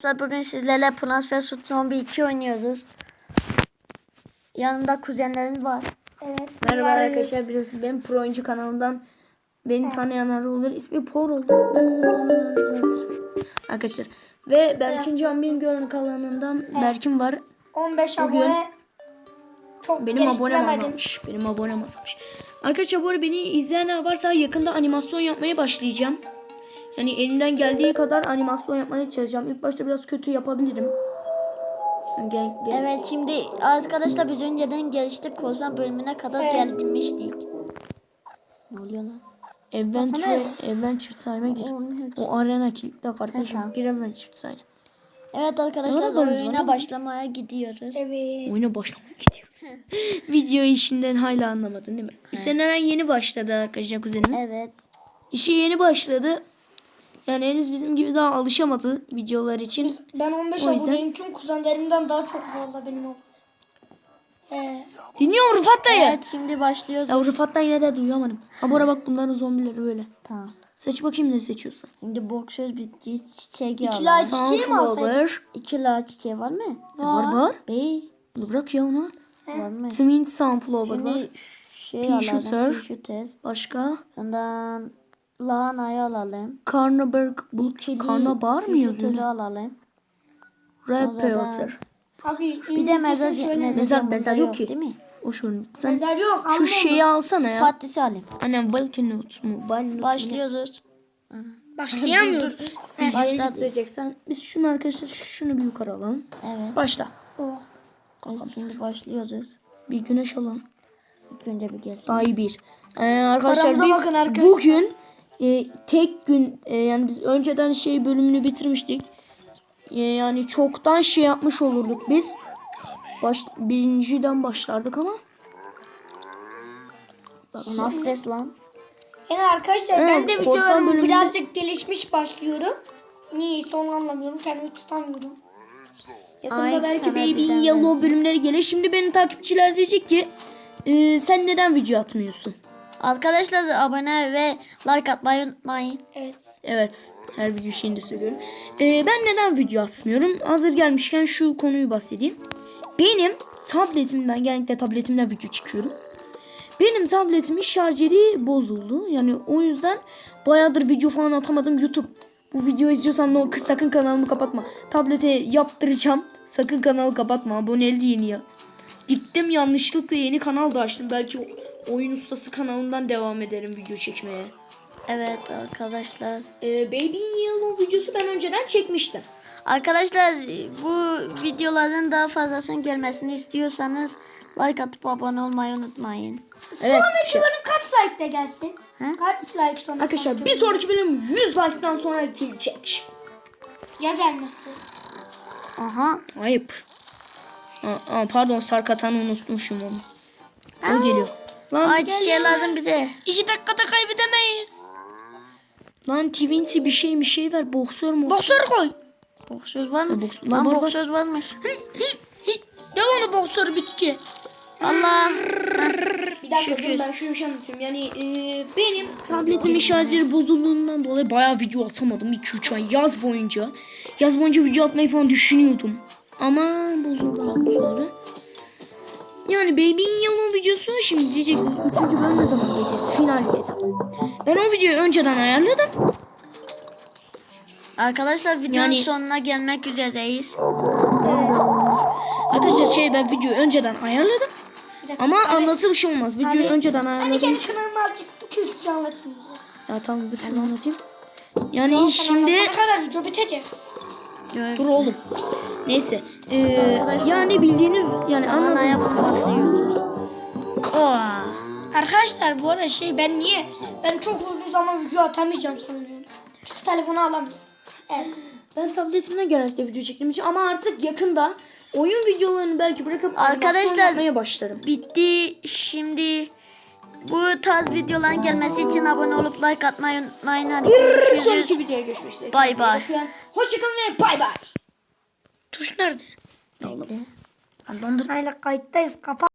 Bugün sizlerle Plants vs Zombies 2 oynuyoruz. Yanımda kuzenlerim var. Evet. Merhaba arkadaşlar, biliyorsunuz benim pro oyuncu kanalımdan beni tanıyanlar olur. İsmi Por oldu. Ben onu sonradan düzeltirim. Arkadaşlar. Ve Berkin Canbin Görün kanalından Berkin var. 15 Bugün abone. Çok benim abonem geliştiremedim. azalmış. Benim abonem azalmış. Arkadaşlar bu arada beni izleyenler varsa yakında animasyon yapmaya başlayacağım. Yani elimden geldiği kadar animasyon yapmaya çalışacağım. İlk başta biraz kötü yapabilirim. Gel. Evet, şimdi arkadaşlar biz önceden geliştik. Korsan bölümüne kadar gelmiştik. Ne oluyor lan? Adventure sayma gir. O arena kilitli kardeşim. Tamam. Giremem sayma. Evet arkadaşlar, Ne kadar oyuna var? başlamaya gidiyoruz. Evet. Oyuna başlamaya gidiyoruz. Video işinden hala anlamadın değil mi? Seneren yeni başladı arkadaşlar kuzenimiz. Evet. İşe yeni başladı. Yani henüz bizim gibi daha alışamadı videolar için. Ben 15 O yüzden- aboneyim. Tüm kuzenlerimden daha çok valla benim o. Dinliyorum Rıfat dayı. Evet, şimdi başlıyoruz. Ya Rıfat dayı ne de duyamadım. Ha bu ara bak bunların zombileri böyle. Tamam. Seç bakayım ne seçiyorsun. Şimdi boksöz bitki çiçeği İki alalım. laç çiçeği mi alsaydık? Sunflower. 2 la çiçeği var mı? Var. Bey Bunu bırak ya onu. var mı? Twin Sunflower var. Şimdi şey Pea alalım. shooter. Pea shooters. Başka. Ondan lahanayı alalım. Karnaberg bu İkili karnabahar mı yazıyor? shooter'ı alalım. Red Sonra da- Peter. Abi Bir de mezar Mezar yok ki. değil mi? O şu. Sen Mezar yok. şu şeyi alsana ya. Patatesi alayım. Annem Valkenut mu? Başlıyoruz. Başlayamıyoruz. Başladı. Başlayacaksan biz şunu arkadaşlar şunu bir yukarı alalım. Evet. Başla. Oh. Evet, şimdi başlıyoruz. Bir güneş alalım. İlk önce bir gelsin. Daha iyi bir. Arkadaşlar Paramıza biz bakın arkadaşlar. bugün tek gün yani biz önceden şey bölümünü bitirmiştik. Yani çoktan şey yapmış olurduk biz. Birinciden başlardık ama. Nasıl ses lan? Yani arkadaşlar Evet, ben de korsan videolarım bölümünde- birazcık gelişmiş başlıyorum. Niyeyse onu anlamıyorum. Kendimi tutamıyorum. Yakında Ay, iki belki tane Baby birden Yellow verdim. bölümleri gelir. Şimdi benim takipçiler diyecek ki sen neden video atmıyorsun? Arkadaşlar abone ve like atmayı unutmayın. Evet. Evet, her video şeyinde söylüyorum. Ben neden video atmıyorum? Hazır gelmişken şu konuyu bahsedeyim. Benim tabletimden, genellikle tabletimden video çıkıyorum. Benim tabletimin şarjeri bozuldu. Yani o yüzden bayağıdır video falan atamadım. YouTube, bu videoyu izliyorsan sakın kanalımı kapatma. Tablete yaptıracağım. Sakın kanalı kapatma. Aboneli yeni ya. Gittim yanlışlıkla yeni kanal da açtım. Belki oyun ustası kanalından devam ederim video çekmeye. Evet arkadaşlar. Baby Yellow videosu ben önceden çekmiştim. Arkadaşlar bu videoların daha fazlasının gelmesini istiyorsanız like atıp abone olmayı unutmayın. Evet. Sonraki bölüm kaç like'da gelsin? He? Kaç like sonra? Arkadaşlar bir sonraki bölüm 100 like'dan sonra gelecek. Ya gelmezse? Aha. Ayıp. Pardon, Sarkatan'ı unutmuşum onu. O geliyor. Lan, Ay çiçeği lazım bize. 2 dakikada kaybedemeyiz. Lan Twinsy bir şey ver. Boksör mü? Boksör koy. Boksöz var mı? Boks- Lan var. boksöz varmış. Ya onu boksör bitki. Allah. Bir dakika Şükür. dur, ben şöyle bir şey anlatıyorum. Yani benim tabletimin şarjı bozulduğundan dolayı bayağı video atamadım 2-3 ay yaz boyunca. Yaz boyunca video atmayı falan düşünüyordum. Ama bozuldu sonra. Yani Baby Yellow videosu şimdi diyeceksiniz 3. bölüm ne zaman geçeceğiz? Final ne zaman? Ben o videoyu önceden ayarladım. Arkadaşlar videonun Yani- sonuna gelmek üzereyiz. Arkadaşlar ben videoyu önceden ayarladım. Bir dakika. Ama Abi, anlatı bir şey olmaz. Videoyu önceden Hani ayarladım. kendi kanalımı azıcık 200 şey anlatmayacağım. Ya tamam dur şunu anlatayım. Yani şimdi Ne kadar video bitecek? dur oğlum. Neyse. Yani bildiğiniz yani Anaya anladığınız fırçası yiyoruz. Oh. Arkadaşlar bu arada ben çok uzun zaman video atamayacağım sanıyorum. Çünkü telefonu alamıyorum. Evet. ben tabletimden genellikle video çektiğim için ama artık yakında oyun videolarını belki bırakıp Arkadaşlar- animasyon yapmaya başlarım. Bitti. Şimdi bu tarz videoların gelmesi için abone olup like atmayı unutmayın. Hadi görüşürüz. Sonraki videoya görüşmek üzere. Bay bay. Hoşçakalın ve bay bay. Tuş nerede? Hala kayıttayız. Kapat.